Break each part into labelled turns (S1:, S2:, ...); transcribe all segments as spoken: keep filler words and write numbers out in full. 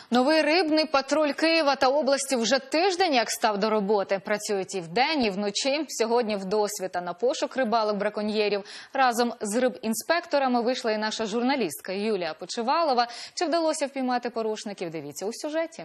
S1: Новий рибний патруль Києва та області вже тиждень як став до роботи. Працюють і вдень, і вночі. Сьогодні в досвіта на пошук рибалок-браконьєрів. Разом з рибінспекторами вийшла і наша журналістка Юлія Почивалова. Чи вдалося впіймати порушників? Дивіться у сюжеті.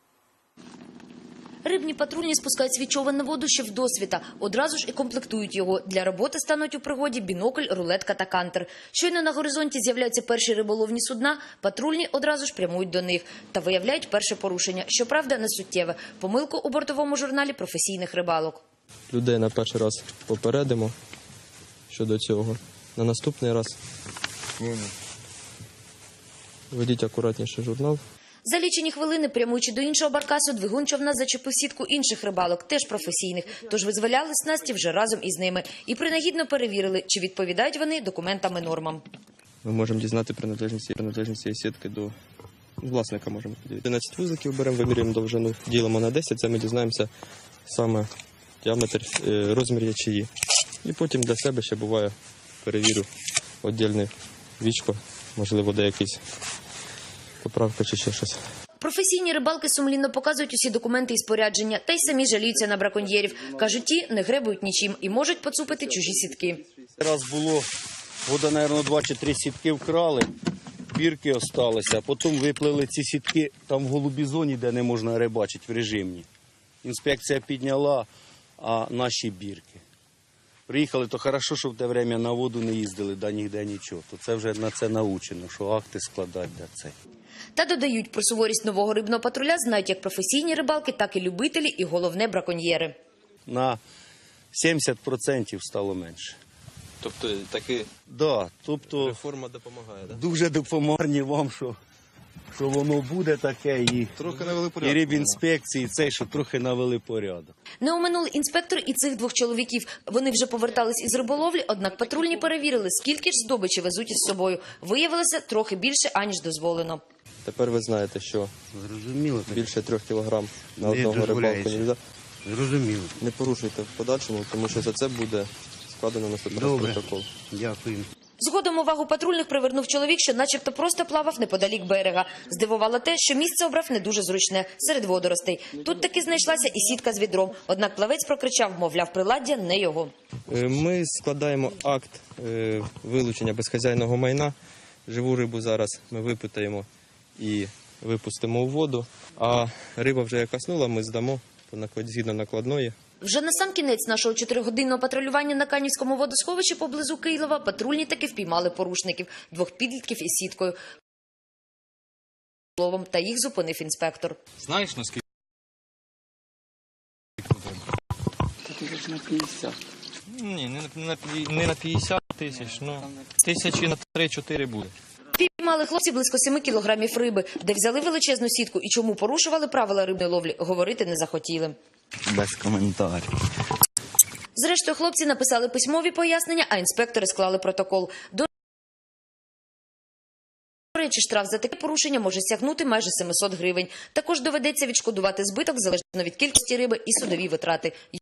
S2: Рибні патрульні спускають свій човен на воду ще вдосвіта. Одразу ж і комплектують його. Для роботи стануть у пригоді бінокль, рулетка та кантер. Щойно на горизонті з'являються перші риболовні судна, патрульні одразу ж прямують до них. Та виявляють перше порушення. Щоправда, не суттєве. Помилку у бортовому журналі професійних рибалок.
S3: Людей на перший раз попередимо щодо цього. На наступний раз ведіть акуратніше журнал.
S2: За лічені хвилини, прямуючи до іншого баркасу, двигун човна зачепив сітку інших рибалок, теж професійних. Тож визволяли снасті вже разом із ними. І принагідно перевірили, чи відповідають вони документам і нормам.
S3: Ми можемо дізнати приналежність, приналежність цієї сітки до власника. Можемо подивитися. одинадцять вузликів беремо, вимірюємо довжину, ділимо на десять, це ми дізнаємося саме діаметр, розмір ячеї. І потім для себе ще буває, перевірю віддільне вічко, можливо, де якийсь поправка чи ще щось.
S2: Професійні рибалки сумлінно показують усі документи і спорядження, та й самі жаліються на браконьєрів. Кажуть, ті не гребують нічим і можуть поцупити чужі сітки.
S4: Раз було, вода, мабуть, два чи три сітки вкрали, бірки осталися, а потім виплили ці сітки там в голубій зоні, де не можна рибачити в режимні. Інспекція підняла, а наші бірки. Приїхали, то хорошо, що в те время на воду не їздили, да ніде нічого. То це вже на це научено, що акти складати для це.
S2: Та додають, про суворість нового рибного патруля знають як професійні рибалки, так і любителі, і головне браконьєри.
S4: На сімдесят відсотків стало менше.
S3: Тобто таки
S4: Да, тобто
S3: реформа допомагає, так?
S4: дуже допомагає вам, що, що воно буде таке, і,
S3: Трохи навели
S4: і
S3: порядок.
S4: рибінспекції, цей, що трохи навели порядок.
S2: Не оминули інспектор і цих двох чоловіків. Вони вже повертались із риболовлі, однак патрульні перевірили, скільки ж здобичі везуть із собою. Виявилося трохи більше, аніж дозволено.
S3: Тепер ви знаєте, що
S4: Зрозуміло.
S3: більше трьох кілограм на
S4: Не
S3: одного рибалку не
S4: дозволяється.
S3: можна.
S4: Зрозуміло.
S3: Не порушуйте в подальшому, тому що за це буде складено наступний
S4: Добре.
S3: протокол.
S4: Дякую.
S2: Згодом увагу патрульних привернув чоловік, що начебто просто плавав неподалік берега. Здивувало те, що місце обрав не дуже зручне, серед водоростей. Тут таки знайшлася і сітка з відром. Однак плавець прокричав, мовляв, приладдя не його.
S3: Е, Ми складаємо акт е, вилучення безхазяйного майна. Живу рибу зараз ми випитаємо і випустимо у воду. А риба вже як коснула, ми здамо по наклад- згідно накладної.
S2: Вже на сам кінець нашого чотиригодинного патрулювання на Канівському водосховищі поблизу Києва патрульні таки впіймали порушників – двох підлітків із сіткою. Та їх зупинив інспектор.
S5: Знаєш, наскільки?
S6: Тисяч на п'ятдесят.
S5: Ні, не на, п'я- не на п'ятдесят тисяч, ну, тисячі на три-чотири буде.
S2: Піймали хлопці близько семи кілограмів риби, де взяли величезну сітку і чому порушували правила рибної ловлі, говорити не захотіли.
S6: Без коментарів.
S2: Зрештою, хлопці написали письмові пояснення, а інспектори склали протокол. До речі, штраф за таке порушення може сягнути майже сімсот гривень. Також доведеться відшкодувати збиток залежно від кількості риби і судові витрати.